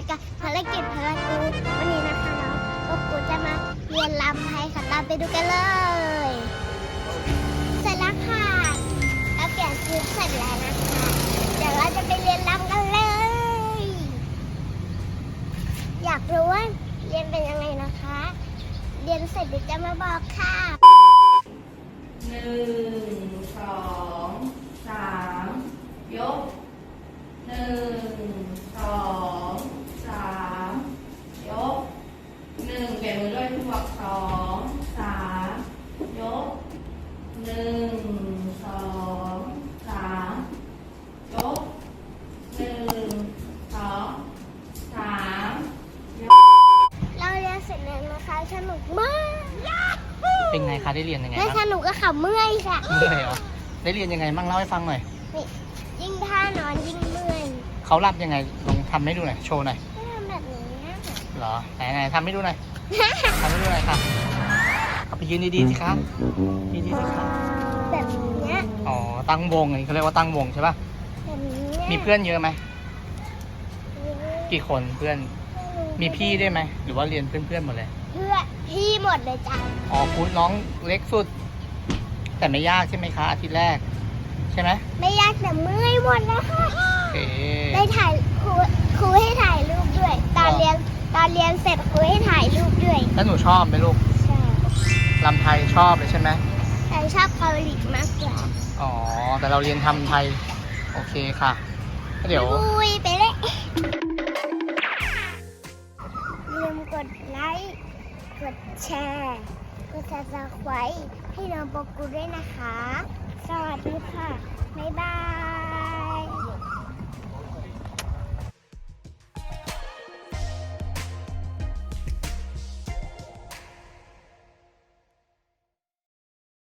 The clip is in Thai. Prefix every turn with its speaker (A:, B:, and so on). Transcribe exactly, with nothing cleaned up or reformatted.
A: ายกับภารกิจพารากูวันนี้นะคะน้องก็กูจะมาเรียนรำไทยค่ะตามไปดูกันเลยเสร็จแล้วค่ะเราเปลี่ยนชุดเสร็จแล้วนะคะเดี๋ยวเราจะไปเรียนรำกันเลยอยากรู้ว่าเรียนเป็นยังไงนะคะเรียนเสร็จเดี๋ยวจะมาบอกค่ะ
B: หนึ่งสองสามยกหนึ่งสองสามยกหนึ่งเปลี่ยนมือด้วยทุกบอกสองสามยกหนึ่งสองสามยกหนึ่งสองสามยก
A: เราเรียนเสร็จแล้วนะคะสนุกมาก
C: เป็นไงคะได้เรียนยังไง
A: ไม่
C: บ้าง
A: สนุกก็ขำเมื่อยค่ะ
C: เมื่อยเหรอได้เรียนยังไงบ้างเล่าให้ฟังหน่อย
A: นี่ยิ่งท่านอนยิ่งเมื่อย
C: เขารับยังไงลองทำให้ดูหน่อยโชว์หน่อย
A: ก็ทำแบบนี้นะ
C: เหรอไหนไหนทำให้ดูหน่อยทำให้ดูหน่อยค่ะเอาไปยืนดีๆสิคะยืนดีๆสิคะ
A: แบบเนี้ย
C: อ๋อตั้งวงไงเขาเรียกว่าตั้งวงใช่ป่ะ
A: แบบนี้
C: มีเพื่อนเยอะไหมกี่คนเพื่อนมีพี่ได้วยไหมหรือว่าเรียนเพื่อนๆหมดเลย
A: เพื่อพี่หมดเลยจ้ะ
C: อ๋อครูน้องเล็กสุด แต่ไม่ยากใช่ไหมคะอาทิตย์แรกใช่ไหม
A: ไม่ยากแต่เมื่อยหมดแล้วค่ะ
C: โอเค
A: ได้ถ่ายครูครูให้ถ่ายรูปด้วย ตอน
C: อ๋อ
A: เรียนตอนเรียนเสร็จครูให้ถ่ายรูปด้วย
C: แล้วหนูชอบไหมลูก
A: ใช่
C: ลำไทยชอบเลยใช่ไหม
A: แต่ชอบเกาหลีมากกว่า
C: อ๋อแต่เราเรียนทำไทยโอเคค่ะเดี๋ยว
A: บุยไปเลยลืมกดไลค์กดแชร์กดซับสไครต์ให้น้องโปกูด้วยนะคะ สวัสดีค่ะบ๊ายบาย